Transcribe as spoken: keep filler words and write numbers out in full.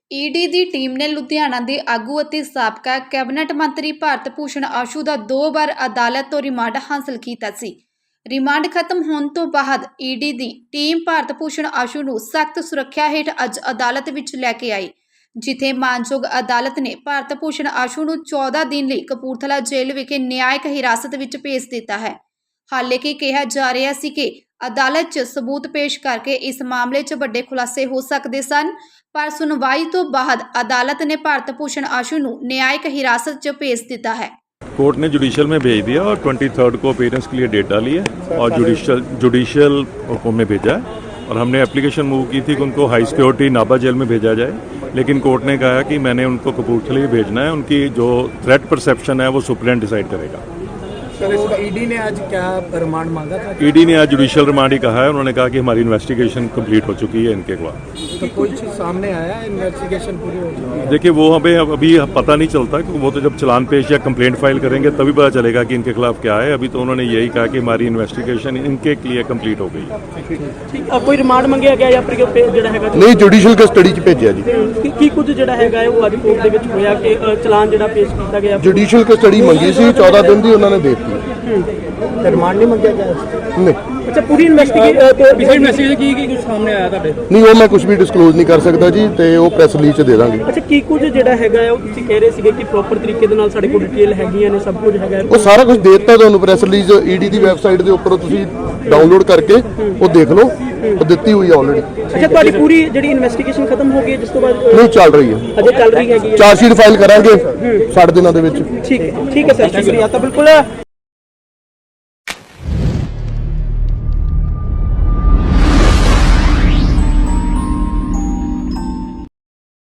ED ਦੀ team ਨੇ ਲੁਧਿਆਣਾ ਦੇ ਆਗੂ ਅਤੇ ਸਾਬਕਾ ਕੈਬਨਿਟ ਮੰਤਰੀ ਭਾਰਤ ਭੂਸ਼ਣ ਆਸ਼ੂ ਦਾ ਦੋ ਵਾਰ ਅਦਾਲਤ ਤੋਂ ਰਿਮਾਂਡ ਹਾਸਲ ਕੀਤਾ ਸੀ। ਰਿਮਾਂਡ ਖਤਮ ਹੋਣ ਤੋਂ ਬਾਅਦ ਈਡੀ ਦੀ ਟੀਮ ਭਾਰਤ ਭੂਸ਼ਣ ਆਸ਼ੂ ਨੂੰ ਸਖਤ ਸੁਰੱਖਿਆ ਹੇਠ ਅੱਜ ਅਦਾਲਤ ਵਿੱਚ ਲੈ ਕੇ ਆਈ, ਜਿੱਥੇ ਮਾਨਯੋਗ ਅਦਾਲਤ ਨੇ ਭਾਰਤ ਭੂਸ਼ਣ ਆਸ਼ੂ ਨੂੰ ਚੌਦਾਂ ਦਿਨ ਲਈ ਕਪੂਰਥਲਾ ਜੇਲ੍ਹ ਵਿਖੇ ਨਿਆਇਕ ਹਿਰਾਸਤ ਵਿੱਚ ਭੇਜ ਦਿੱਤਾ ਹੈ। ਹਾਲੇ ਕਿ ਕਿਹਾ ਜਾ ਰਿਹਾ ਸੀ ਕਿ ਅਦਾਲਤ 'ਚ ਸਬੂਤ ਪੇਸ਼ ਕਰਕੇ ਇਸ ਮਾਮਲੇ 'ਚ ਵੱਡੇ ਖੁਲਾਸੇ ਹੋ ਸਕਦੇ ਸਨ, पर सुनवाई तो बाद अदालत ने भारत भूषण आशू ਨੂੰ न्यायिक हिरासत च भेज दिता है। कोर्ट ने जुडिशियल में भेज दिया और ट्वेंटी थर्ड को अपीयरेंस के लिए डेट डाली है और जुडिशियल जुडिशियल में भेजा है और हमने एप्लीकेशन मूव की थी कि उनको हाई सिक्योरिटी नाभा जेल में भेजा जाए, लेकिन कोर्ट ने कहा कि मैंने उनको कपूरथले भेजना है, उनकी जो थ्रेट परसेप्शन है वो सुप्रीम डिसाइड करेगा। सर, ईडी ने आज क्या रिमांड मांगा था? ईडी ने आज जुडिशियल रिमांड ही कहा है। उन्होंने कहा कि हमारी इन्वेस्टिगेशन कंप्लीट हो चुकी है इनके खिलाफ। तो कोई चीज़ सामने आया है? इन्वेस्टिगेशन पूरी हो चुकी है? देखिए वो हमें अभी पता नहीं चलता, क्योंकि वो तो जब चलान पेश या कंप्लेंट फाइल करेंगे तभी पता चलेगा कि इनके खिलाफ क्या है। अभी तो उन्होंने यही कहा कि हमारी इन्वेस्टिगेशन इनके लिए कंप्लीट हो गई। कोई रिमांड मंगਿਆ ਗਿਆ ਜਾਂ ਫਿਰ ਜਿਹੜਾ ਹੈਗਾ ਨਹੀਂ ਜੁਡੀਸ਼ੀਅਲ ਕਸਟਡੀ ਚ ਭੇਜਿਆ ਜੀ। ਕੀ ਕੀ ਕੁਝ ਜਿਹੜਾ ਹੈਗਾ ਉਹ ਅੱਜ ਕੋਰਟ ਦੇ ਵਿੱਚ ਹੋਇਆ ਕਿ ਚਲਾਨ ਜਿਹੜਾ ਪੇਸ਼ ਕੀਤਾ ਗਿਆ? ਜੁਡੀਸ਼ੀਅਲ ਕਸਟਡੀ ਮੰਗੀ ਸੀ, ਚੌਦਾਂ ਦਿਨ ਦੀ ਉਹਨਾਂ ਨੇ ਦੇ ਦਿੱਤੀ। रिमांड नहीं मंगਿਆ ਗਿਆ? ਨਹੀਂ ਅੱਛਾ, ਪੂਰੀ ਇਨਵੈਸਟੀਗੇਸ਼ਨ ਪਿਛਲੀ ਇਨਵੈਸਟੀਗੇਸ਼ਨ ਕੀ ਕੀ ਕੁਝ ਸਾਹਮਣੇ ਆਇਆ ਤੁਹਾਡੇ? ਨਹੀਂ ਉਹ ਮੈਂ ਕੁਝ ਵੀ ਡਿਸਕਲੋਜ਼ ਨਹੀਂ ਕਰ ਸਕਦਾ ਜੀ, ਤੇ ਉਹ ਪ੍ਰੈਸ ਰਿਲੀਜ਼ ਚ ਦੇ ਦਾਂਗੇ। ਅੱਛਾ, ਕੀ ਕੁਝ ਜਿਹੜਾ ਹੈਗਾ ਉਹ ਤੁਸੀਂ ਕਹਿ ਰਹੇ ਸੀਗੇ ਕਿ ਪ੍ਰੋਪਰ ਤਰੀਕੇ ਦੇ ਨਾਲ ਸਾਡੇ ਕੋਲ ਡਿਟੇਲ ਹੈਗੀਆਂ ਨੇ, ਸਭ ਕੁਝ ਹੈਗਾ ਉਹ ਸਾਰਾ ਕੁਝ ਦੇ ਦਿੱਤਾ ਤੁਹਾਨੂੰ। ਪ੍ਰੈਸ ਰਿਲੀਜ਼ ਈਡੀ ਦੀ ਵੈਬਸਾਈਟ ਦੇ ਉੱਪਰ ਤੁਸੀਂ ਡਾਊਨਲੋਡ ਕਰਕੇ ਉਹ ਦੇਖ ਲਓ, ਉਹ ਦਿੱਤੀ ਹੋਈ ਹੈ ਆਲਰੇਡੀ। ਅੱਛਾ, ਤੁਹਾਡੀ ਪੂਰੀ ਜਿਹੜੀ ਇਨਵੈਸਟੀਗੇਸ਼ਨ ਖਤਮ ਹੋ ਗਈ ਹੈ ਜਿਸ ਤੋਂ ਬਾਅਦ? ਨਹੀਂ ਚੱਲ ਰਹੀ ਹੈ, ਅਜੇ ਚੱਲ ਰਹੀ ਹੈਗੀ ਹੈ। ਚਾਰਜ ਸ਼ੀਟ ਫਾਈਲ ਕਰਾਂਗੇ ਸਾਢੇ ਦਿਨਾਂ ਦੇ ਵਿੱਚ। ਠੀਕ ਹੈ, ਠੀਕ ਹੈ ਸਰ, ਸ਼ੁਕਰੀਆ। ਤਾਂ ਬਿਲਕੁਲ